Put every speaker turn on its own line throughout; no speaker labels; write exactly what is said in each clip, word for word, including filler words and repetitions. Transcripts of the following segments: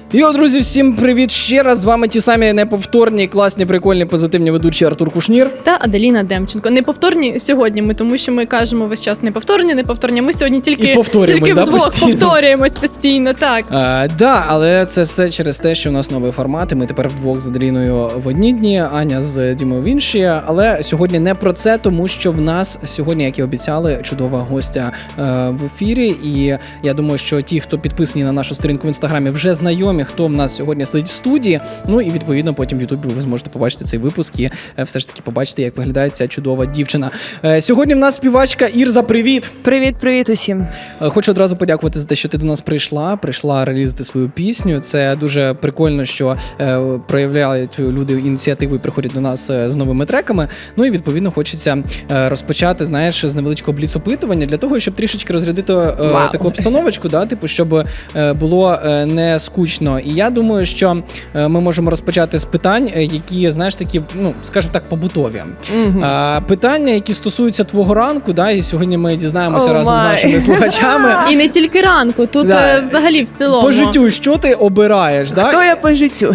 Йо, друзі, всім привіт ще раз. З вами ті самі неповторні, класні, прикольні, позитивні ведучі Артур Кушнір
та Аделіна Демченко. Неповторні сьогодні ми, тому що ми кажемо весь час неповторні, неповторні. Ми сьогодні тільки, тільки
да,
вдвох
постійно?
повторюємось постійно, так.
Так, да, але це все через те, що у нас новий формат, і ми тепер вдвох з Аделіною в одні дні, Аня з Дімою в інші. Але сьогодні не про це, тому що в нас сьогодні, як і обіцяли, чудова гостя е, в ефірі. І я думаю, що ті, хто підписані на нашу сторінку в Інстаграмі, вже знайомі, хто в нас сьогодні сидить в студії. Ну і відповідно потім в Ютубі ви зможете побачити цей випуск і е, все ж таки побачити, як виглядає ця чудова дівчина. Е, сьогодні в нас співачка Ірза. Привіт!
Привіт-привіт усім!
Е, хочу одразу подякувати за те, що ти до нас прийшла, прийшла релізити свою пісню. Це дуже прикольно, що е, проявляють люди ініціативу і приходять до нас е, з новими треками. Ну і відповідно хочеться е, розпочати, знаєш, з невеличкого бліц-опитування для того, щоб трішечки розрядити е, таку обстановочку, да, типу, щоб е, було е, не скучно. І я думаю, що е, ми можемо розпочати з питань, е, які, знаєш, такі, ну, скажімо так, побутові. Mm-hmm. Е, питання, які стосуються твого ранку, да, і сьогодні ми дізнаємося oh разом my. з нашими слухачами.
І не тільки ранку, тут да. е, взагалі в цілому.
По життю, що ти обираєш?
Хто
да?
я по життю?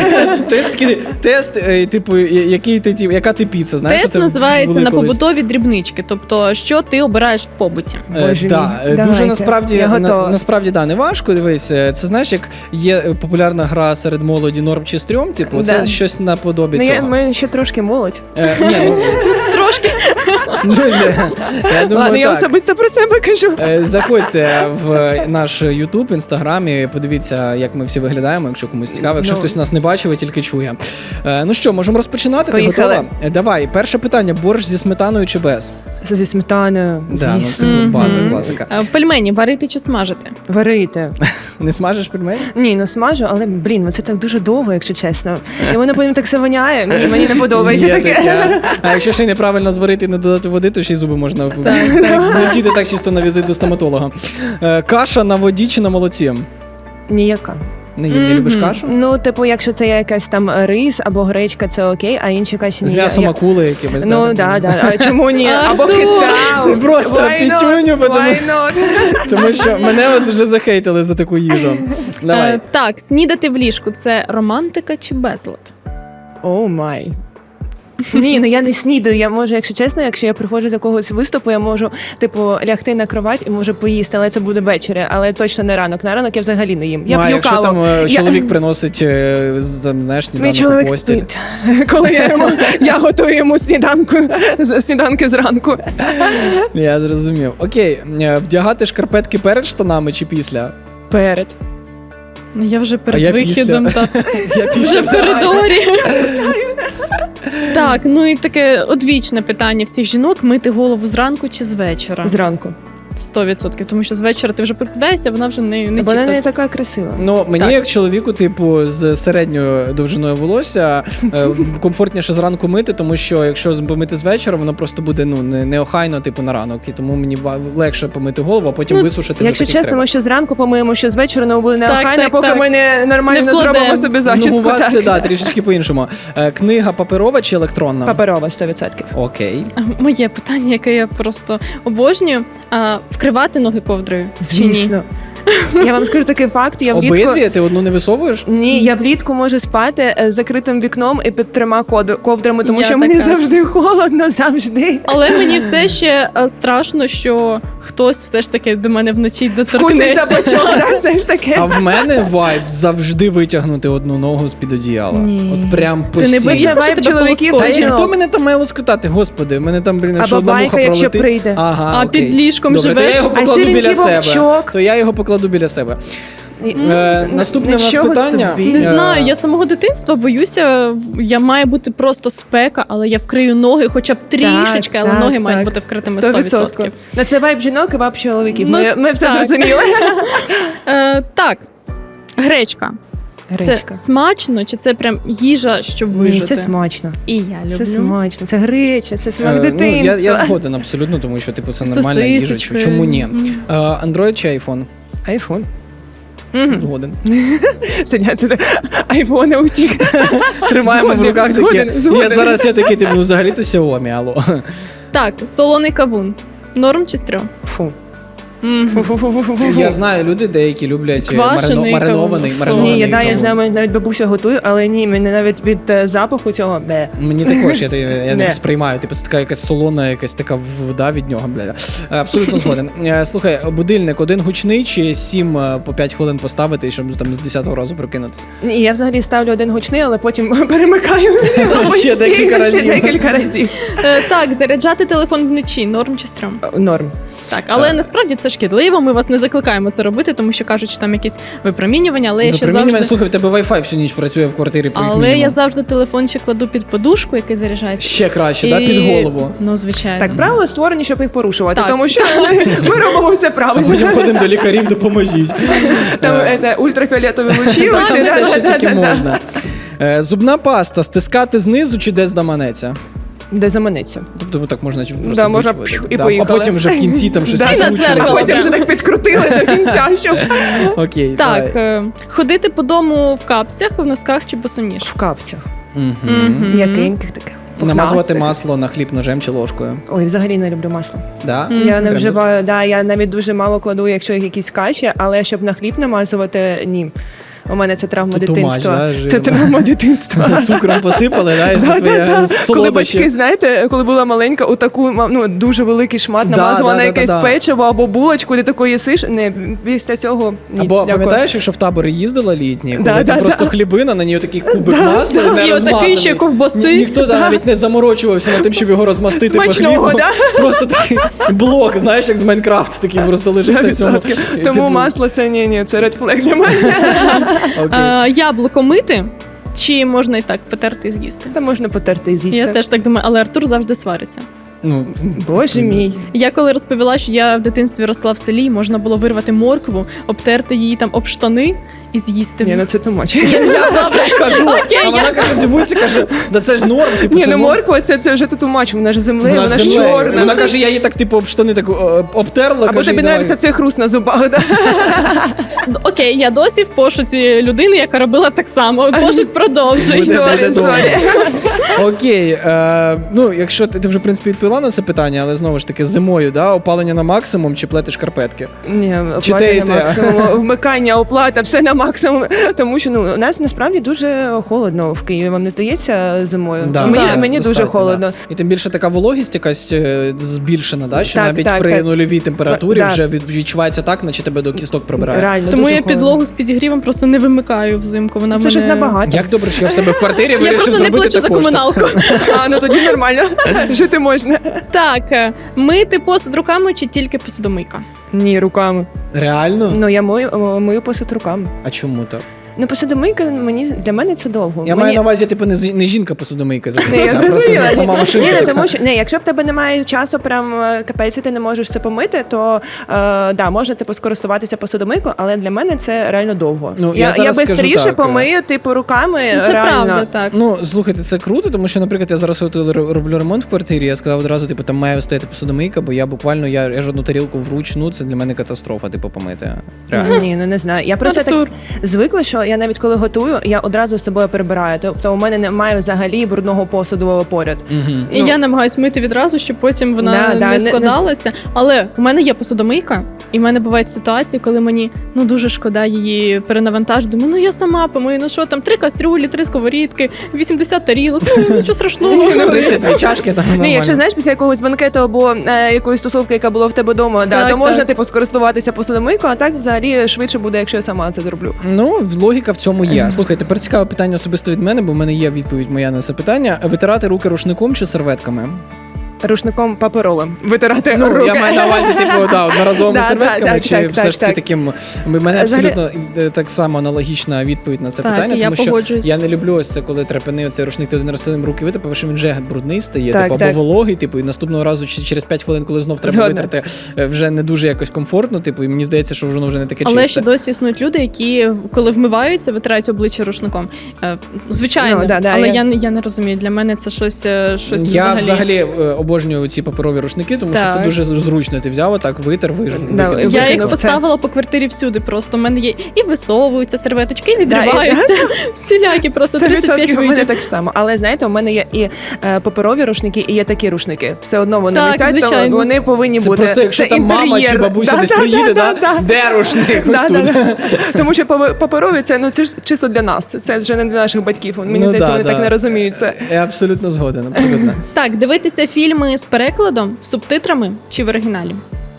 Тест, тест, типу, який ти, яка ти піца, знаєш?
Тест називається на побутові дрібнички, тобто, що ти обираєш в побуті.
Боже да, мій, дуже давайте. насправді, на, насправді, да, не важко, дивись, це знаєш, як є популярна гра серед молоді норм чи стрьом, типу, да. це щось наподобі
ну,
цього.
Я, ми ще трошки молодь.
Е, ні, ну,
трошки.
Друзі, я думаю,
Ладно, я
так.
особисто про себе кажу.
Е, заходьте в наш YouTube, Інстаграм і подивіться, як ми всі виглядаємо, якщо комусь цікаво, якщо no. хтось нас не бачив і тільки чує. Е, ну що, можемо розпочинати?
Поїхали.
Ти готова? Е, давай, перше питання, борщ зі сметаною чи без?
Зі сметаною,
да,
звісно.
ну, це база, mm-hmm. класика.
Пельмені варити чи смажити?
Варити.
Не смажиш пельмені?
Ні, ну смажу, але, блін, це так дуже довго, якщо чесно. І воно потім так все воняє, мені, мені не подобається таке.
А якщо ще й неправильно зварити і не додати води, то ще й зуби можна злетіти так чисто на візит до стоматолога. Каша на воді чи на молоці?
Ніяка.
Не, не mm-hmm. любиш кашу?
Ну, типу, якщо це якась там рис або гречка, це окей, а інші каші ні.
З м'ясом я... акули якимось,
ну,
да?
Ну, да, да. А чому ні? Або китау.
Просто пітюню, тому... тому що мене от вже захейтили за таку їжу. Давай.
Uh, так, снідати в ліжку – це романтика чи безлад?
О май. Ні, ну я не снідаю, я можу, якщо чесно, якщо я приходжу з якогось виступу, я можу, типу, лягти на кровать і можу поїсти, але це буде ввечері, але точно не ранок. На ранок я взагалі не їм. Я
а,
п'ю
якщо
каву.
там я... чоловік приносить, знаєш, сніданок у постіль. Мій чоловік спить,
коли я, йому, я готую йому сніданку, сніданки зранку.
Я зрозумів. Окей, вдягати шкарпетки перед штанами чи після?
Перед.
Ну я вже перед вихідом, так. Вже в коридорі. Так, ну і таке одвічне питання всіх жінок: мити голову зранку чи з вечора?
Зранку.
Сто відсотків, тому що з вечора ти вже прокидаєшся, вона вже не, не
вона
чиста.
не така красива.
Ну, мені
так.
як чоловіку, типу, з середньою довжиною волосся, комфортніше зранку мити, тому що якщо помити з вечора, воно просто буде, ну, неохайно, типу, на ранок. І тому мені легше помити голову, а потім ну, висушити.
Якщо чесно,
треба.
Ми що зранку помиємо, що з вечора, воно буде неохайно,
так,
поки
так.
ми не нормально не зробимо собі зачіску.
Ну, у вас це,
так.
да, трішечки по-іншому. Книга паперова чи електронна?
Паперова, сто відсотків.
Окей.
Моє питання, яке я просто обожнюю, а, вкривати ноги ковдрою
Звісно.
чи ні?
Я вам скажу такий факт. Я влітку...
Обидві? Ти одну не висовуєш?
Ні, я влітку можу спати з закритим вікном і під трьома ковдрами, тому
я
що мені завжди холодно, завжди.
Але мені все ще страшно, що хтось все ж таки до мене вночі доторкнеться.
Вкусить за бочок, все ж таки.
А в мене вайб завжди витягнути одну ногу з-під одіяла.
Ні.
От прям постійно.
Ти не боїшся, що тебе
чоловіків?
полоскочить?
Хто мене там має лоскотати? Господи, мене там, блін, якщо
або
одна
байка,
муха
якщо
пролетить.
прийде.
Ага,
а
окей.
під ліжком
Добре,
живеш?
то я його
а
покладу біля себе.
Вовчок.
То я його покладу біля себе. Е, наступне у нас питання.
Собі.
Не знаю, я з самого дитинства боюся, я має бути просто спека, але я вкрию ноги хоча б трішечки,
так,
але
так,
ноги
так.
мають бути вкритими сто відсотків.
На це вайб жінок і вайб чоловіків.
Ну,
ми, ми все
так.
зрозуміли.
е, так, гречка.
Гречка.
Це смачно чи це прям їжа, щоб вижити?
Ні, це смачно.
І я люблю.
Це смачно, це греча, це смак
Е,
дитинства.
ну, я, я згоден абсолютно, тому що типу, це нормальна їжа. Чому ні? Е, Android чи iPhone?
Айфон.
Mm-hmm.
Згоден.
Сидять тут айфони усіх.
Тримаємо в руках
згоден,
такі.
згоден.
Я зараз я такий, типу, ну взагалі то Xiaomi, алло.
Так, солоний кавун. Норм чи стрьом?
Фу.
Мгм.
Фу-фу-фу-фу-фу-фу.
Я знаю, люди деякі люблять е,
Квашений,
марино- маринований,
кавун.
маринований.
Ні, я, да, я
кавун.
знаю, навіть бабуся готує, але ні, мене навіть від е, запаху цього бе.
Мені також, я, я не
Не.
сприймаю. Типу, це така якась солона, якась така вода від нього. Бля. Абсолютно згоден. Е, Слухай, будильник один гучний чи сім е, по п'ять хвилин поставити, щоб там з десятого разу прокинутися?
Ні, я взагалі ставлю один гучний, але потім перемикаю
Ще декілька разів.
Ще декілька разів.
Е, Так, заряджати телефон вночі, норм чи стрьом?
Норм.
Так, але насправді це шкідливо. Ми вас не закликаємо це робити, тому що кажуть, що там якісь випромінювання, але я ще
Випромінювання,
завжди.
слухай, в тебе Wi-Fi всю ніч працює в квартирі. як
Але
мінімум.
я завжди телефон ще кладу під подушку, який заряджається.
Ще краще,
І-
да, під голову.
Ну, звичайно.
Так, правила створені, щоб їх порушувати,
Так.
тому що ми робимо все
А
правильно.
потім ходимо до лікарів, допоможіть.
Там
Е,
е, ультрафіолетові лучі.
Там
оці,
все,
да,
що
да,
тільки
да, да.
можна. Е, Зубна паста стискати знизу чи де здаманеться?
Де заманеться.
Тобто так можна просто
Да, можна
вичувати.
пф, і
Да, а
поїхали.
потім вже в кінці там щось
Да,
І на
накручувати.
А
дзеркало.
потім вже так підкрутили до кінця, щоб
Окей,
Так,
давай.
е, ходити по дому в капцях, в носках чи босоніж?
в капцях.
Мгм.
Мгм.
М'якеньких таке.
Намазувати
пухнастих.
масло на хліб ножем чи ложкою.
Ой, взагалі не люблю масло.
Да?
Мгм.
Я не
Прям
вживаю, да, я навіть дуже мало кладу, якщо якісь каші, але щоб на хліб намазувати, ні. У мене це травма
То too much,
дитинства.
да, жирно.
Це травма дитинства.
Цукром посипали, да, і
Да,
це
да,
твоє
да. Коли
солодощі.
батьки, знаєте, коли була маленька, у таку ну, дуже великий шмат
Да,
намазувала
да,
на
да,
якесь
да, да.
печиво або булочку, ти такої їсиш. Не, після цього ні.
Або
дякую.
пам'ятаєш, якщо в табори їздила літні, коли
Да,
там
да,
просто
да.
хлібина, на ній такий кубик
Да,
масла,
да.
не
І отакий
розмазаний.
ще ковбаси.
Ні- Ніхто да, навіть не заморочувався над тим, щоб його розмастити по
Смачного,
хлібу.
да?
Просто такий блок, знаєш, як з Майнкрафту, такий просто лежить на цьому.
сто відсотків. Тому
Типу,
масло це ні, ні, це red flag для мене.
окей.
Е, Яблуко мити, чи можна і так потерти і з'їсти?
Та можна потерти і з'їсти.
Я теж так думаю, але Артур завжди свариться.
Ну,
Боже мій.
Я коли розповіла, що я в дитинстві росла в селі, можна було вирвати моркву, обтерти її там об штани і з'їсти.
Ні, ну це тумач.
Я це кажу,
Окей,
а вона
я-
каже, дивується, каже, да це ж норм, типу,
Ні,
це
ну
норм.
морква це, це вже тумач, вона ж землею,
Вона
вона
з
ж
землею.
чорна.
Вона каже, я її так типу об штани так о, обтерла.
Або
каже,
тобі
і давай.
нравиться цей хруст на зубах, да?
Окей, я досі в пошуці людини, яка робила так само. Пошук
Буде
продовжується.
це
Сорі,
довго.
сорі.
Окей, е, ну якщо ти, ти вже в принципі відповіла на це питання, але знову ж таки зимою, да, опалення на максимум чи плетиш шкарпетки?
Ні,
Чи
оплата
те і
на
те?
максимум, вмикання, оплата, все на максимум. Тому що ну, у нас насправді дуже холодно в Києві, вам не здається зимою?
Да,
мені
да,
мені дуже
достатньо,
холодно.
Да. І тим більше така вологість якась е, збільшена, да, що
Так,
навіть
так,
при
так.
нульовій температурі
Да.
вже від- відчувається так, наче тебе до кісток прибирає.
Реально,
Тому
дуже
я
холодно.
підлогу з підігрівом просто не вимикаю взимку. Вона в
Це
мене...
щось набагато.
Як добре, що я в себе в квартирі
Я
вирішив
просто не
зробити
плачу за
також.
комуналку.
А, ну тоді нормально. Жити можна.
Так, е, мити посуд руками чи тільки посудомийка?
Ні, руками.
Реально?
Ну я мою, о, мию посуд руками.
А чому так?
Ну, посудомийка мені для мене це довго.
Я
мені...
маю на увазі, типу, не, з- не жінка посудомийка
Не, я
займається, а просто
зрозуміла.
сама
Ні,
машинка.
Ні, ну,
така.
тому що не, якщо в тебе немає часу, прям е, капець, і ти не можеш це помити, то е, да, можна типу скористуватися посудомийкою, але для мене це реально довго.
Ну, я
я
зараз
я
скажу
бистріше
так,
помию, типу, руками.
Це
реально.
правда, так.
Ну, слухайте, це круто, тому що, наприклад, я зараз от р- роблю ремонт в квартирі, я сказав одразу, типу, там має стояти посудомийка, бо я буквально, я, я жодну тарілку вручну, це для мене катастрофа, типу, помити. Реально.
Ні, ну не знаю. Я просто
Артур.
так звикла, що я навіть коли готую, я одразу з собою прибираю. Тобто у мене немає взагалі брудного посуду поряд.
Мгм.
І
Ну.
я намагаюсь мити відразу, щоб потім вона
Да, да,
не
не-
складалася. Але у мене є посудомийка, і в мене бувають ситуації, коли мені ну дуже шкода її перенавантажити. Думаю, ну я сама помию, ну що там, три кастрюлі, три сковорідки, вісімдесят тарілок, ну нічого страшного.
Ну,
тридцять дві чашки, там
Ні,
нормально.
якщо знаєш, після якогось банкету або е, якоїсь тусовки, яка була в тебе вдома, да,
Так,
то можна
так.
типу скористуватися посудомийкою, а так взагалі швидше буде, якщо я сама це зроблю.
Ну, логіка в цьому є. Слухай, тепер цікаве питання особисто від мене, бо в мене є відповідь моя на це питання. Витирати руки рушником чи серветками?
Рушником паперовим витирати
Ну,
руки.
я маю на увазі, типу, да, одноразовими
Да,
серветками,
так,
чи
так,
все
так,
ж таки
так.
таким. У мене
Взагалі-
абсолютно е, так само аналогічна відповідь на це
Так,
питання,
і я
тому що
погоджуюсь.
я не люблю ось це, коли трепяний оцей рушник, ти один раз цим руки витер, тому що він вже брудний стає,
Так,
типу,
так.
або вологий, типу, і наступного разу чи через п'ять хвилин, коли знов треба
Згодна.
витерти, е, вже не дуже якось комфортно, типу, і мені здається, що воно вже не таке
Але
чисте.
ще досі існують люди, які коли вмиваються, витирають обличчя рушником. Е, Звичайно,
Ну, да, да,
але
я-
я... не- я не розумію. Для мене це щось, е, щось
Я
взагалі.
взагалі, е, обожнюю обожнюю ці паперові рушники, тому що це
Так.
дуже зручно. Ти взяв, отак витер, виж-
Да,
викинув.
Вже
Я їх
кинув це.
поставила по квартирі всюди. Просто у мене є і висовуються серветочки, і відриваються. Всілякі, просто
сто
тридцять п'ять
відсотків у мене
видів.
так само. Але знаєте, у мене є і е, паперові рушники, і є такі рушники. Все одно вони
Так,
висять, то
звичайно.
вони повинні
Це
бути.
просто, якщо
Це
там мама
інтер'єр.
чи бабуся
Да,
десь
да,
приїде,
да,
да,
да.
де рушник? Ось
Да,
тут.
да, да. Тому що папе- паперові це ну це ж чисто для нас. Це вже не для наших батьків. Мені
Ну,
здається,
да,
вони
да.
так не розуміють це.
Я абсолютно згоден, абсолютно.
Так, дивитися фільми з перекладом, субтитрами чи в оригіналі?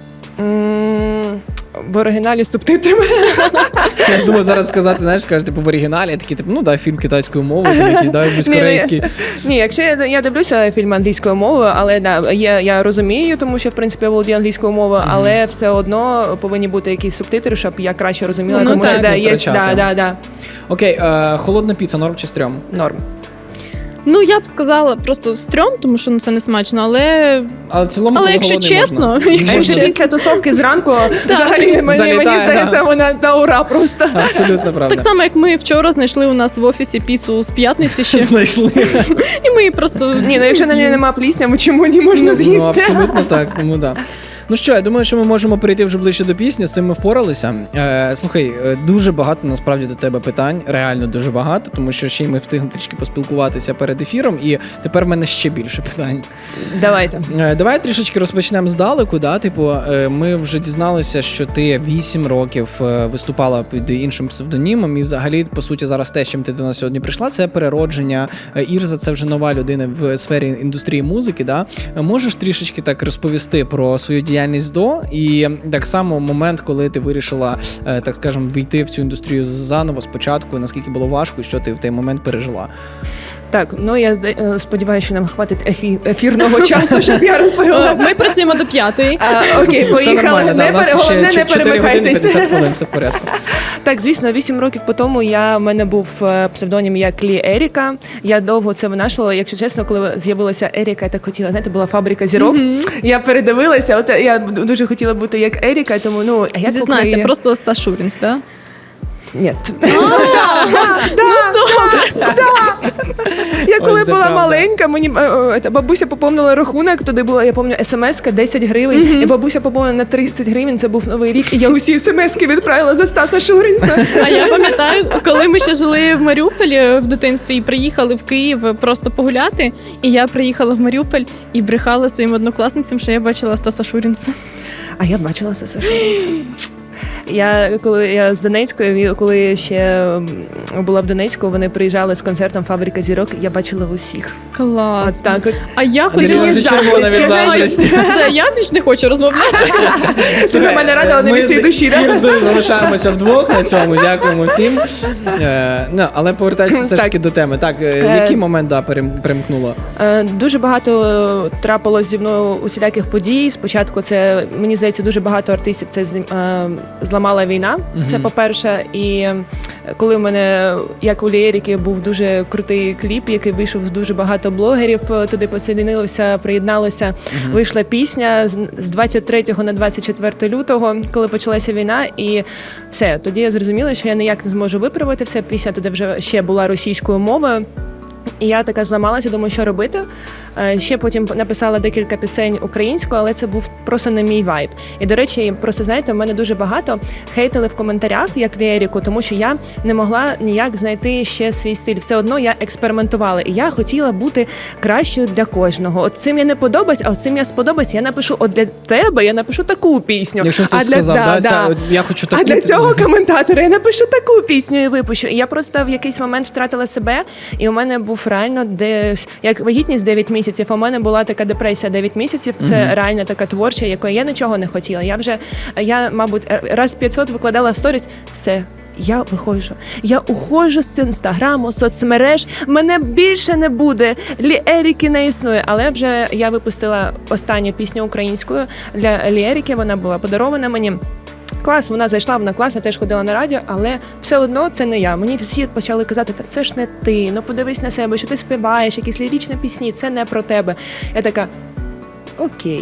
М, В оригіналі з субтитрами.
Я думаю, зараз сказати, знаєш, скажеш, типу в оригіналі, я такий, типу, ну да, фільм китайською мовою, там якийсь, да, якийсь
Ні, ні.
корейський.
Ні, якщо я, я дивлюся фільм англійською мовою, але да, я, я розумію, тому що в принципі я володію англійською мовою, але все одно повинні бути якісь субтитри, щоб я краще розуміла,
Ну,
тому
так.
що да,
Не
є
втрачати.
да, да, да,
Окей, е, холодна піца, норм чи стрьом?
норм.
Ну, я б сказала просто стрьом, тому що ну, це не смачно, але
Але в цілому,
Але
коли
якщо
голодний,
чесно,
можна.
якщо
А
Можна.
ще після тусовки зранку взагалі мені, мені
Залітає,
здається,
да.
вона на ура просто.
Абсолютно правда.
так само, як ми вчора знайшли у нас в офісі піцу з п'ятниці ще,
знайшли.
і ми її просто
Ні, ну якщо на ній
з'їли.
нема плісня, ми чому не можна
Ну,
з'їсти?
абсолютно так, тому да. Ну що, я думаю, що ми можемо перейти вже ближче до пісні, з цим ми впоралися. Е, слухай, е, дуже багато насправді до тебе питань, реально дуже багато, тому що ще й ми встигли трішки поспілкуватися перед ефіром, і тепер в мене ще більше питань.
Давайте.
Е, Давай трішечки розпочнемо здалеку. Да? Типу, е, ми вже дізналися, що ти вісім років е, виступала під іншим псевдонімом, і взагалі, по суті, зараз те, з чим ти до нас сьогодні прийшла, це переродження. Е, Ірза, це вже нова людина в сфері індустрії музики. Да? Е, Можеш трішечки так розповісти про свою діяльність до, і так само момент, коли ти вирішила, е, так скажемо, війти в цю індустрію заново спочатку, наскільки було важко, і що ти в той момент пережила?
Так, ну я зда- е, сподіваюся, що нам хватить ефі- ефірного часу, щоб я розповіла.
Ми працюємо до п'ятої.
А, окей,
Все
поїхали.
нормально, да,
Не
у нас
пере-
ще
головне, не
чотири години
перемикайтесь.
п'ятдесят хвилин, все в порядку.
Так, звісно, вісім років по тому я, в мене був е, псевдонім як Лі Еріка. Я довго це винашувала. Якщо чесно, коли з'явилася Еріка, я так хотіла, знаєте, була фабрика зірок. Я передивилася, от я дуже хотіла бути як Еріка, тому ну, а як
Зізнайся,
Україна-
просто Стас Шурінс, так?
Ні.
Ну,
Я коли
Ось де
була
правда.
маленька, мені е, е, та бабуся поповнила рахунок, туди була, я пам'ятаю, смс-ка десять гривень, і бабуся поповнила на тридцять гривень, це був Новий рік, і я усі смс-ки відправила за Стаса Шурінця.
А я пам'ятаю, коли ми ще жили в Маріуполі в дитинстві і приїхали в Київ просто погуляти, і я приїхала в Маріуполь і брехала своїм однокласницям, що я бачила Стаса Шурінса.
А я бачила Стаса Шурінця. Я коли я з Донецької, коли ще м, була в Донецьку, вони приїжджали з концертом Фабрика зірок. Я бачила в усіх.
Клас.
От так от.
А я
Андрій
хотіла...
вже червона від заздрості.
Все, я більш не хочу розмовляти.
Слухай, мене радила не
Ми
від цієї
з
душі. да?
Ірзою залишаємося вдвох на цьому. Дякуємо всім. Е, ну, але повертаючись все ж таки
Так.
до теми. Так, е,
Е,
який момент да, перем- перемкнуло?
Е, Дуже багато е, трапилось зі мною усіляких подій. Спочатку це, мені здається, дуже багато артистів це злі- е, зламала війна. Це
Мгм.
по-перше. І е, коли в мене, як у Лєріки, був дуже крутий кліп, який вийшов з дуже багато блогерів, е, туди посоєдинилося, приєдналося.
Мгм.
Вийшла пісня з- з двадцять третього на двадцять четверте лютого, коли почалася війна, і все. Тоді я зрозуміла, що я ніяк не зможу виправити все. Пісня тоді вже ще була російською мовою. І я така зламалася, думаю, що робити. Е, Ще потім написала декілька пісень українською, але це був просто не мій вайб. І, до речі, просто знаєте, в мене дуже багато хейтили в коментарях, як Лєріку, тому що я не могла ніяк знайти ще свій стиль. Все одно я експериментувала. І я хотіла бути кращою для кожного. От цим я не подобаюсь, а от цим я сподобаюсь. Я напишу, от для тебе я напишу таку пісню.
Якщо
а
хтось
для,
сказав,
да,
да,
да.
ця- я хочу таку.
А для цього коментатора я напишу таку пісню і випущу. І я просто в якийсь момент втратила себе, і у мене був реально десь як вагітність дев'ять місяців. У мене була така депресія дев'ять місяців. Це
Мгм.
реально така творча, якої я нічого не хотіла. Я вже я, мабуть, раз п'ятсот викладала в сторіс. Все. Я виходжу. Я уходжу з інстаграму, соцмереж. Мене більше не буде. Ліеріки не існує. Але вже я випустила останню пісню українською для Ліеріки. Вона була подарована мені. Клас, вона зайшла, вона класна, теж ходила на радіо, але все одно це не я. Мені всі почали казати, та це ж не ти, ну подивись на себе, що ти співаєш, якісь ліричні пісні, це не про тебе. Я така, окей.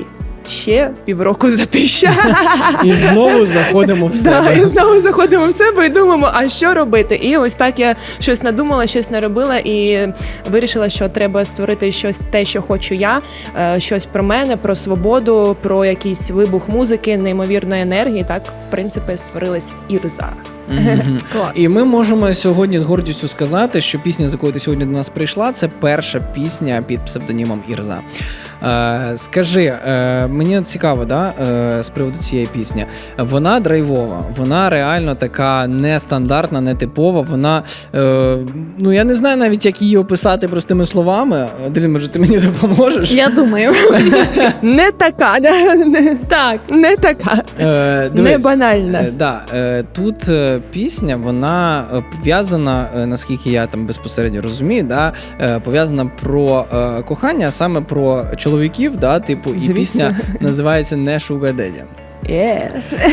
ще півроку затища.
І знову заходимо в
Да,
себе.
і знову заходимо в себе і думаємо, а що робити? І ось так я щось надумала, щось наробила і вирішила, що треба створити щось те, що хочу я, е, щось про мене, про свободу, про якийсь вибух музики, неймовірної енергії. Так, в принципі, створилась Ірза.
Мгм.
Клас.
І ми можемо сьогодні з гордістю сказати, що пісня, з якою ти сьогодні до нас прийшла, це перша пісня під псевдонімом Ірза. Е, скажи, е, мені цікаво, да, е, з приводу цієї пісні. Вона драйвова, вона реально така нестандартна, нетипова. Вона, е, ну я не знаю навіть, як її описати простими словами. Аделін, може, ти мені допоможеш?
Я думаю.
Не така, да, не,
Так.
не така,
Е,
не
дивись.
банальна.
Е, да, е, тут е, пісня, вона е, пов'язана, е, наскільки я там безпосередньо розумію, да, е, пов'язана про е, кохання, а саме про чоловіків, да, типу, і
Звісно.
пісня називається «Не Sugar Daddy».
Є.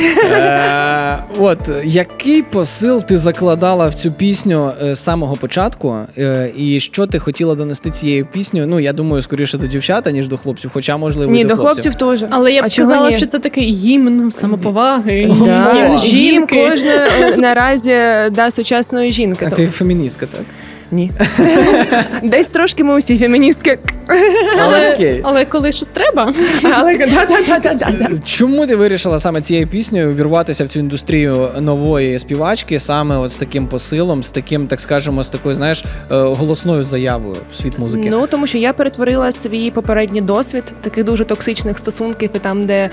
Е, от, який посил ти закладала в цю пісню е, з самого початку, е, і що ти хотіла донести цією піснею? Ну, я думаю, скоріше до дівчат, ніж до хлопців, хоча, можливо,
Ні,
і до,
до хлопців теж.
Але я б
А чого
сказала,
ні?
що це такий гімн самоповаги,
Да.
гімн
Їм
жінки.
кожна е, наразі да, сучасної жінки.
А
То-
ти феміністка, так?
Ні. Десь трошки ми усі феміністки.
Але,
Окей.
але коли щось треба,
Але да-да-да-да-да.
Чому ти вирішила саме цією піснею вірватися в цю індустрію нової співачки, саме от з таким посилом, з таким, так скажемо, з такою, знаєш, е, голосною заявою в світ музики?
Ну, тому що я перетворила свій попередній досвід таких дуже токсичних стосунків, і там, де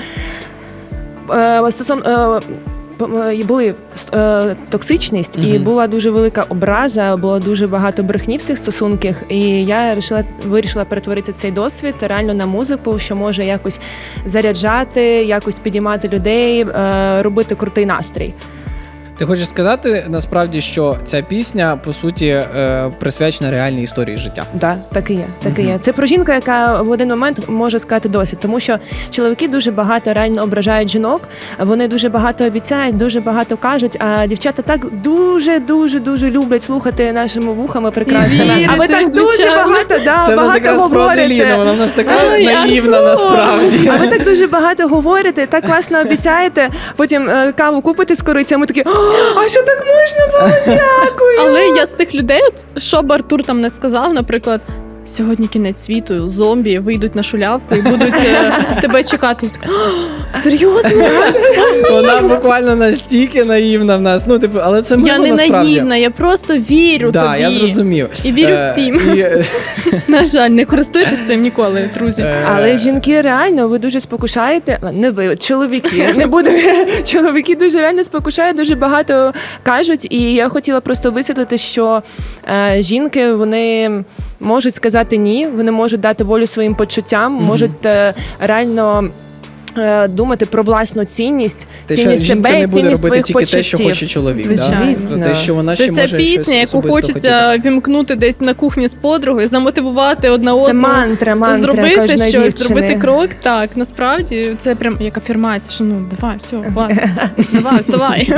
е, стосун, е, п- е, були е, токсичність, і
Мгм.
була дуже велика образа, було дуже багато брехні в цих стосунках. І я вирішила, вирішила перетворити цей досвід реально на музику, що може якось заряджати, якось підіймати людей, е, робити крутий настрій.
Ти хочеш сказати насправді, що ця пісня по суті е, присвячена реальній історії життя?
Да, так і є. Так і
Мгм.
є. Це про жінку, яка в один момент може сказати досить, тому що чоловіки дуже багато реально ображають жінок, вони дуже багато обіцяють, дуже багато кажуть. А дівчата так дуже, дуже, дуже люблять слухати нашими вухами прекрасними.
вірити,
А ви так дуже
звичайно.
багато, да,
Це в нас
багато
якраз про Аделіну,
говорите.
вона в нас така
Ай,
наївна
Артур!
насправді.
А ви так дуже багато говорите, так класно обіцяєте. Потім е, каву купите з корицями, такі, «О, а що так можна було? Дякую.
але я з тих людей, от, що б Артур там не сказав, наприклад, сьогодні кінець світу, зомбі вийдуть на шулявку і будуть е, тебе чекати. І така, «О, серйозно?
Вона буквально настільки наївна в нас. Ну, типу, але це
Я
мило
не
насправді.
наївна, я просто вірю
Да,
тобі.
я зрозумів.
І вірю
Е,
всім.
і, е,
На жаль, не користуйтесь цим ніколи, друзі.
е,
Але жінки реально ви дуже спокушаєте. Не ви, чоловіки. Не буду. Чоловіки дуже реально спокушають, дуже багато кажуть. І я хотіла просто висвітлити, що е, жінки вони можуть сказати ні, вони можуть дати волю своїм почуттям,
Мгм.
можуть е, реально. е, Думати про власну цінність,
Те, що
цінність
жінка
себе,
не буде
цінність
робити
своїх
тільки
почуттів.
те, що хоче чоловік.
Звичайно.
Да? Те, що вона
Це
ще
ця
може
пісня,
щось
яку
особисто
хочеться
хотіти.
вімкнути десь на кухні з подругою, замотивувати одна
Це
одну.
мантра, мантра
Зробити
кожної
щось,
дівчини.
зробити крок. Так, насправді це прям як афірмація, що ну давай, все, хватить, давай, вставай.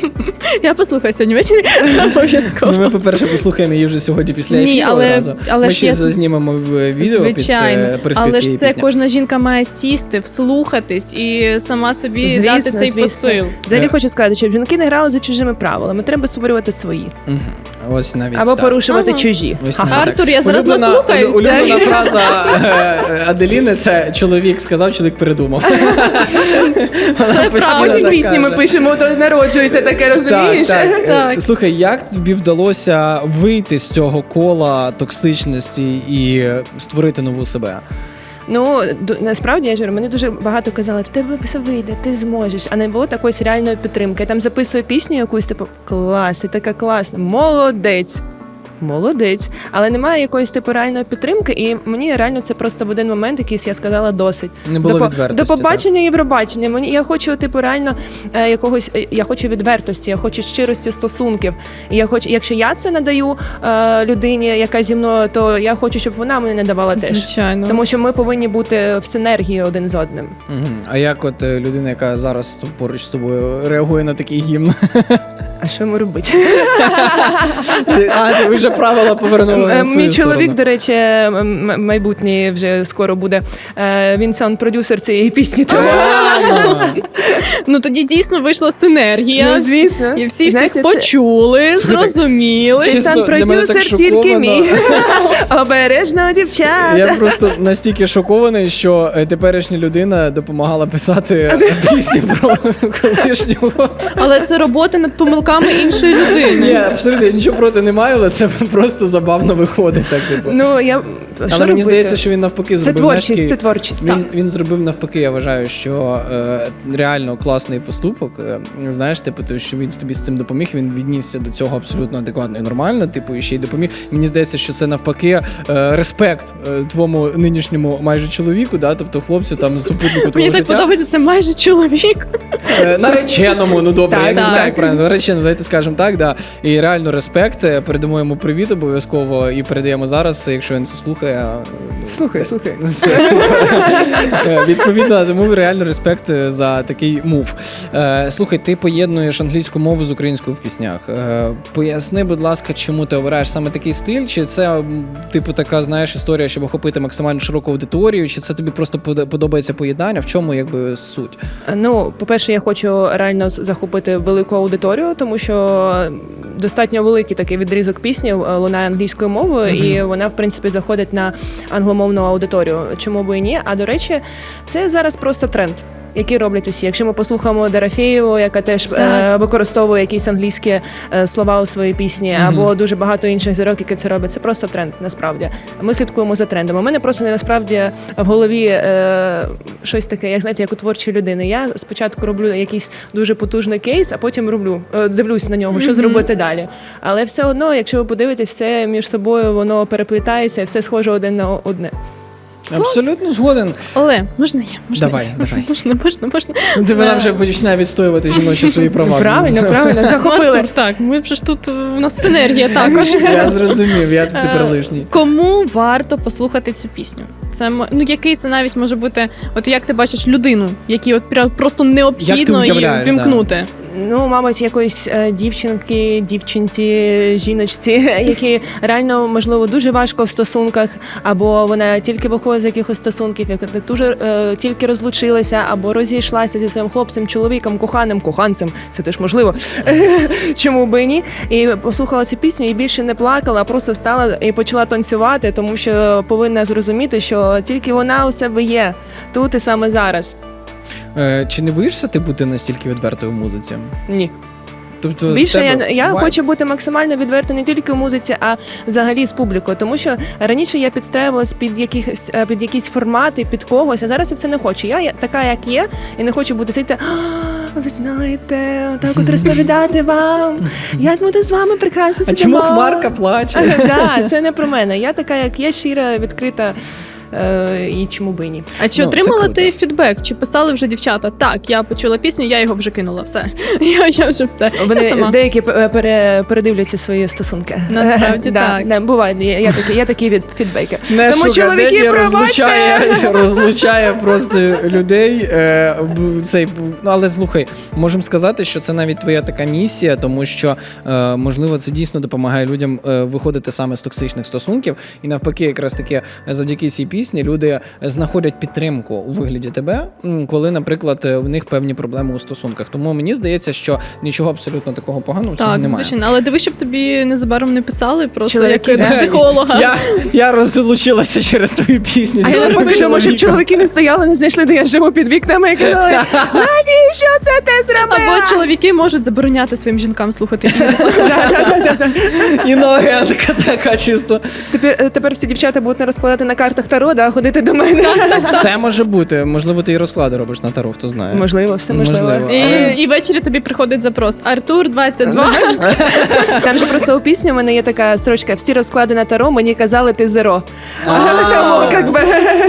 Я послухаю сьогодні ввечері обов'язково.
Ну, ми, по-перше, послухаємо її вже сьогодні після
Ні,
ефіру
але-
одразу.
але
Ми
ж
ще
я-
знімемо в відео
Звичайно,
під це приспів
але ж
цієї
це
пісні.
кожна жінка має сісти, вслухатись і сама собі дати цей посил.
Взагалі
Е.
хочу сказати, щоб жінки не грали за чужими правилами. Треба створювати свої.
Мгм. Ось навіть
Або
так.
порушувати
Ага.
чужі.
Ось
Ха-ха.
навіть
Артур,
так.
я зараз
Улюблена-
наслухаюся.
Улюблена фраза е, Аделіни – це чоловік сказав, чоловік передумав. Вона
Все
постійно
А
правда.
потім
так
пісні ми
каже.
пишемо, то народжується таке, розумієш?
Так, так.
Так.
Е, Слухай, як тобі вдалося вийти з цього кола токсичності і створити нову себе?
Ну, ду- насправді, я ж говорю, мені дуже багато казали, в тебе все вийде, ти зможеш. А не було такої реальної підтримки. Я там записую пісню якусь, типу, клас, ти така класна, молодець. Молодець, але немає якоїсь типу реальної підтримки, і мені реально це просто в один момент якийсь я сказала досить.
Не було
до, по-
відвертості.
до побачення і пробачення. Мені я хочу, типу, реально е, якогось. е, Я хочу відвертості, я хочу щирості стосунків. І я хочу, якщо я це надаю е, людині, яка зі мною, то я хочу, щоб вона мені надавала теж.
Звичайно.
Тому що ми повинні бути в синергії один з одним.
Мгм. А як от е, людина, яка зараз поруч з тобою реагує на такий гімн?
А що йому робити?
А, ти вже правила повернули на свою
Мій чоловік,
сторону.
до речі, м- м- майбутній вже скоро буде. Е, Він саунд-продюсер цієї пісні. тому-
Ладно.
Ну тоді дійсно вийшла синергія.
Ну, звісно.
І всі
Знаєте,
всіх
це-
почули,
Слухайте,
зрозуміли.
Цей
Чесно, для мене так
саунд-продюсер тільки
шоковано.
мій. Обережно, дівчата.
Я просто настільки шокований, що е, теперішня людина допомагала писати пісню про колишнього.
Але це робота над помилками іншої
Ні,
людини.
абсолютно я нічого проти не маю, але це просто забавно виходить. Так, типу.
Ну, я...
Але
що
мені
робити?
здається, що він навпаки
Це
зробив. знаєш,
творчість,
такий-
це творчість.
Він, він зробив навпаки, я вважаю, що е, реально класний поступок. Е, знаєш, типу, то, що він тобі з цим допоміг, він віднісся до цього абсолютно адекватно і нормально, типу, і ще й допоміг. Мені здається, що це навпаки е, респект е, твоєму нинішньому майже чоловіку, да, тобто хлопцю там супутнику твого
Мені так
життя.
подобається, це майже чоловік.
Е, Нареченому, ну добре,
Так,
я не
так.
знаю, як правильно. Нареченому, давайте скажемо так, да. І реально респект. Е, Передамо йому привіт обов'язково і передаємо зараз, якщо він це слухає. е,
Слухай, слухай.
Все, супер. Е, Відповідно, тому реально респект е, за такий мув. Е, Слухай, ти поєднуєш англійську мову з українською в піснях. Е, Поясни, будь ласка, чому ти обираєш саме такий стиль? Чи це, м, типу, така, знаєш, історія, щоб охопити максимально широку аудиторію? Чи це тобі просто под- подобається поєднання? В чому, якби, суть?
Ну, по-перше, я хочу реально з- захопити велику аудиторію, тому що достатньо великий такий відрізок пісні е, лунає англійською мовою,
Мгм.
і вона, в принципі, заходить на англомовну аудиторію. Чому би і ні? А до речі, це зараз просто тренд. Які роблять усі. Якщо ми послухаємо Дорофєєву, яка теж е,
Так.
використовує якісь англійські е, слова у своїй пісні,
Мгм.
або дуже багато інших зірок, які це роблять, це просто тренд, насправді. Ми слідкуємо за трендом. У мене просто не насправді в голові е, щось таке, як знаєте, як у творчої людини. Я спочатку роблю якийсь дуже потужний кейс, а потім роблю, е, дивлюсь на нього, що
Мгм.
зробити далі. Але все одно, якщо ви подивитесь, це між собою воно переплітається і все схоже один на одне.
Абсолютно згоден.
Але можна я? Можна
Давай,
я?
давай.
Можна, можна, можна.
Ти вона
Е,
вже починає відстоювати жіночі свої права.
Правильно, правильно, захопили.
Артур, так, ми вже ж тут, е, у нас синергія також.
Я зрозумів, я тут тепер
Е,
лишній.
Кому варто послухати цю пісню? Це м- ну який це навіть може бути, от як ти бачиш людину, якій от пря- просто необхідно її
уявляєш, да.
вімкнути.
Ну, мабуть, якоїсь е, дівчинки, дівчинці, жіночці, які реально, можливо, дуже важко в стосунках, або вона тільки виходить з якихось стосунків, яка дуже е, тільки розлучилася, або розійшлася зі своїм хлопцем, чоловіком, коханим, коханцем. Це теж можливо. Чому би і ні? І послухала цю пісню і більше не плакала, а просто стала і почала танцювати, тому що повинна зрозуміти, що тільки вона у себе є тут і саме зараз.
Е, Чи не боїшся ти бути настільки відвертою в музиці?
Ні.
Тобто
Більше
тебе
я, я
вайб?
хочу бути максимально відверта не тільки в музиці, а взагалі з публікою. Тому що раніше я підстраювалась під якісь е, під якісь формати, під когось, а зараз я це не хочу. Я є така, як є, і не хочу бути сидіти. «А, ви знаєте, так от розповідати вам, як ми тут з вами прекрасно
А
сидимо».
чому Хмарка плаче?
Так, це не про мене. Я така, як є, щира, відкрита. Е, і чому би і ні.
А чи
Ну,
отримала
це круто.
ти фідбек? Чи писали вже дівчата? Так, я почула пісню, я його вже кинула. Все. Я, я вже все. Я
Вони
сама.
деякі е, пере, передивляться свої стосунки.
Насправді
Да,
так.
да, буває, є, є такі, є такі від фідбеки.
Не
Тому
шука,
чоловіки,
Деді
пробачте!
розлучає, розлучає просто людей. Е, б- цей, б- ну, але слухай, можемо сказати, що це навіть твоя така місія, тому що, е, можливо, це дійсно допомагає людям е, виходити саме з токсичних стосунків. І навпаки, якраз таки завдяки цій пісні люди знаходять підтримку у вигляді тебе, м, коли, наприклад, в них певні проблеми у стосунках. Тому мені здається, що нічого абсолютно такого поганого в цьому
Так,
немає.
звичайно. Але диви, щоб тобі незабаром не писали, просто
Чоловіки,
як до
да.
психолога.
Я, я розлучилася через твою пісню.
А
зі
я
своїм
поки що, щоб
чоловіком.
чоловіки не стояли, не знайшли, де я живу під вікнами і казали, навіщо це ти зробила?
Або чоловіки можуть забороняти своїм жінкам слухати Ігоря.
Іногентка така чисто.
Тепер, тепер всі дівчата будуть не розкладати на картах Таро, да, ходити до мене.
Все може бути. Можливо, ти і розклади робиш на таро, хто знає.
Можливо, все можливо.
Можливо.
І,
Але-
і ввечері тобі приходить запрос. Артур двадцять два.
Там же просто у пісні в мене є така строчка: всі розклади на Таро, мені казали, ти зеро.
А.
Тому, як би,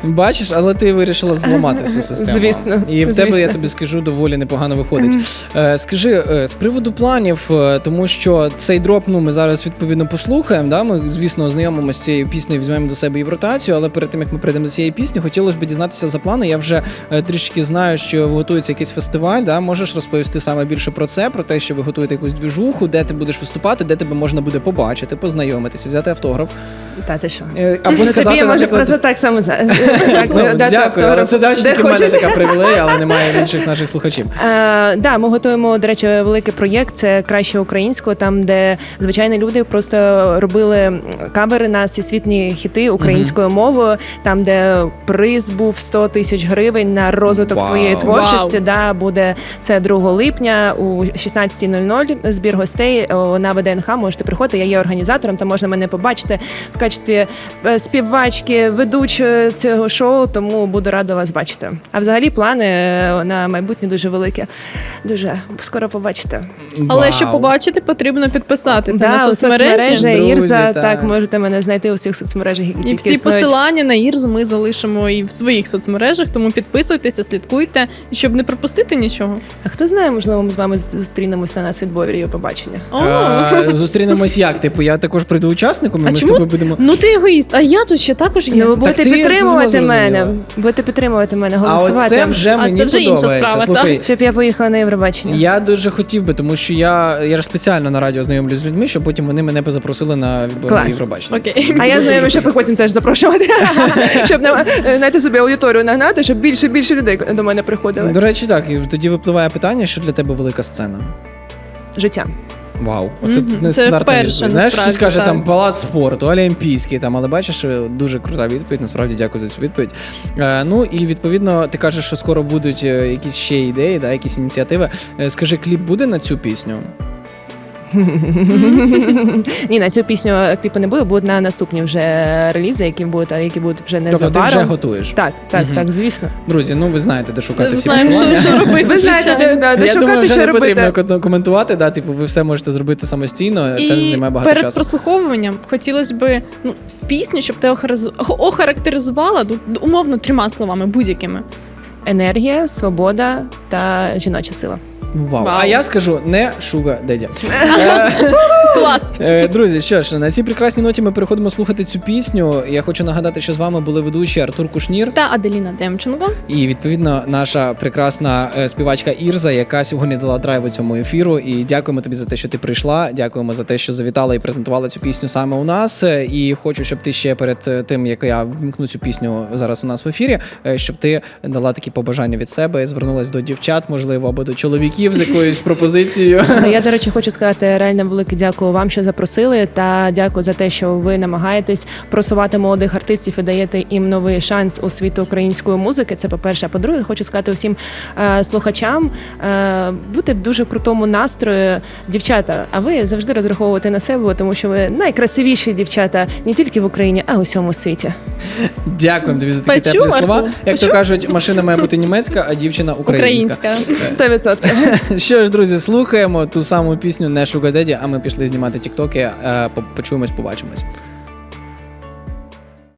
Бачиш, але ти вирішила зламати цю систему.
Звісно,
І в
звісно.
тебе, я тобі скажу, доволі непогано виходить. Е, скажи, е, з приводу планів, е, тому що цей дроп, ну, ми зараз відповідно послухаємо, да? Ми, звісно, ознайомимося з цією піснею, візьмемо до себе і в ротацію, але перед тим, як ми прийдемо до цієї пісні, хотілося б дізнатися за плани. Я вже е, трішки знаю, що готується якийсь фестиваль, да? Можеш розповісти саме більше про це, про те, що ви готуєте якусь двіжуху, де ти будеш виступати, де тебе можна буде побачити, познайомитися, взяти автограф.
Та ти що?
Е, Або
Ну,
сказати,
тобі я можу
наприклад,
просто так само за- так,
Ну,
дати
дякую, але
автограф,
це далі
де
тільки в мене
хочеш.
така привілея, але немає в інших наших слухачів.
Е, да, ми готуємо, до речі, великий проєкт. Це краще українського, там, де звичайні люди просто робили кавери на всесвітні хіти українською мовою, там, де приз був сто тисяч гривень на розвиток
Вау.
своєї творчості.
Вау.
Да, буде це другого липня у шістнадцята нуль нуль. Збір гостей о, на ВДНХ. Можете приходити. Я є організатором, там можна мене побачити в качестві е, співачки, ведучої цього шоу, тому буду рада вас бачити. А взагалі плани е, на майбутнє дуже великі. Дуже скоро побачите.
Але
Вау.
щоб побачити, потрібно підписатися
Да,
на
у
соцмережі.
соцмережі
Друзі,
Ірза,
так.
так, можете мене знайти у всіх соцмережах, які
І
тільки
всі
існують.
посилання на Ірзу ми залишимо і в своїх соцмережах, тому підписуйтеся, слідкуйте, щоб не пропустити нічого.
А хто знає, можливо, ми з вами зустрінемося на світбові і побачення.
О,
Е, Зустрінемось як? Типу, я також прийду учасником, і
А
ми з
чому?
тобою будемо.
ну ти егоїст, а я тут ще також є.
Ну, ви будете
ти
підтримувати
зрозуміла.
мене, будете підтримувати мене,
А
голосувати,
оце вже
А
мені
це вже інша
подобається.
справа,
Слухай,
щоб я поїхала на Євробачення.
я дуже хотів би, тому що я, я ж спеціально на радіо знайомлюсь з людьми, щоб потім вони мене б запросили на відбір
Клас.
Євробачення.
Окей.
А я знаю, щоб потім теж запрошувати, щоб на- знаєте, собі аудиторію нагнати, щоб більше більше людей до мене приходили.
До речі, так, і тоді випливає питання, що для тебе велика сцена.
Життя.
Вау, оце
Мгм.
нестандартна
Це вперше,
відповідь. Знаєш, хтось
насправді,
каже
так.
там палац спорту, олімпійський, там, але бачиш, дуже крута відповідь. Насправді дякую за цю відповідь. Е, ну і відповідно, ти кажеш, що скоро будуть е, якісь ще ідеї, да, якісь ініціативи. Е, скажи, кліп буде на цю пісню?
Ні, на цю пісню кліпу не буде, будуть на наступні вже релізи, які будуть, а які будуть вже
Тобто ти
незабаром.
вже готуєш.
Так, так,
Мгм.
так, звісно.
Друзі, ну ви знаєте, де шукати
Ми
всі
знаємо,
посилання.
що, що робити.
Ви знаєте, де,
звичайно.
да, де
Я
шукати,
думаю, вже
що
не
робити.
потрібно кон- коментувати, да, типу, ви все можете зробити самостійно, це
І
займає багато
перед
часу.
прослуховуванням хотілося б ну, пісню, щоб ти охараз- охарактеризувала ну, умовно трьома словами, будь-якими.
Енергія, свобода та жіноча сила.
Вау.
Вау.
А я скажу не Sugar Daddy.
Клас!
Е, Друзі, що ж, на цій прекрасній ноті ми переходимо слухати цю пісню. Я хочу нагадати, що з вами були ведучі Артур Кушнір
Та Аделіна Демченко.
і, відповідно, наша прекрасна е, співачка Ірза, яка сьогодні дала драйв у цьому ефіру. І дякуємо тобі за те, що ти прийшла. Дякуємо за те, що завітала і презентувала цю пісню саме у нас. Е, І хочу, щоб ти ще перед е, тим, як я вмкну цю пісню зараз у нас в ефірі, е, щоб ти дала такі побажання від себе, звернулась до дівчат, можливо, або до чоловіків з якоюсь пропозицією.
Ну, я, до речі, хочу сказати реально велике дякую вам, що запросили, та дякую за те, що ви намагаєтесь просувати молодих артистів і даєте їм новий шанс у світу української музики. Це по-перше. А по-друге, хочу сказати усім е, слухачам е, бути в дуже крутому настрої. Дівчата, а ви завжди розраховуєте на себе, тому що ви найкрасивіші дівчата не тільки в Україні, а й у всьому світі.
Дякуємо тобі за такі
Почув,
теплі слова.
Артур?
Як то
Почув?
кажуть, машина має бути німецька, а дівчина українська.
Українська.
Сто відсотків.
Що ж, друзі, слухаємо ту саму пісню не Sugar Daddy, а ми пішли знімати тіктоки. Е, по- Почуємось, побачимось.